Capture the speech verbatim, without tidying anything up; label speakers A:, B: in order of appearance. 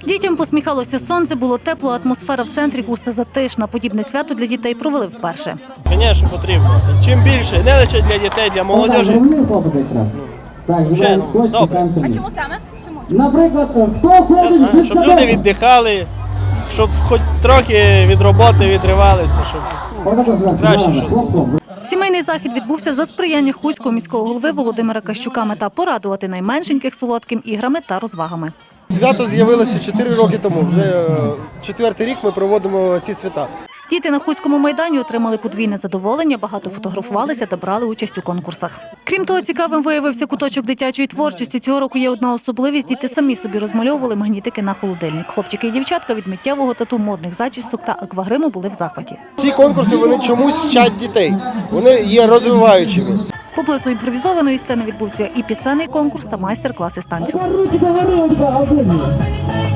A: Дітям посміхалося сонце, було тепло, атмосфера в центрі густа затишна. Подібне свято для дітей провели вперше.
B: Звісно, потрібно. Чим більше, не лише для дітей, для молодежі.
C: Так,
B: Вже, ну, добре.
D: А чому саме? Чому?
C: Наприклад, хто
B: Я
C: ходить
B: знаю,
C: від
B: щоб люди віддихали, щоб хоч трохи від роботи відривалися, щоб ну, краще, щоб.
A: Сімейний захід відбувся за сприяння Хуського міського голови Володимира Кащука. Мета – порадувати найменшеньких солодким іграми та розвагами.
E: Свято з'явилося чотири роки тому. Вже е, четвертий рік ми проводимо ці свята.
A: Діти на Хуському майдані отримали подвійне задоволення, багато фотографувалися та брали участь у конкурсах. Крім того, цікавим виявився куточок дитячої творчості. Цього року є одна особливість – діти самі собі розмальовували магнітики на холодильник. Хлопчики і дівчатка від миттєвого тату, модних зачісок та аквагриму були в захваті.
E: Ці конкурси вони чомусь вчать дітей. Вони є розвиваючими.
A: Поблизу імпровізованої сцени відбувся і пісенний конкурс та майстер-класи з танцю.
C: Руки до гори,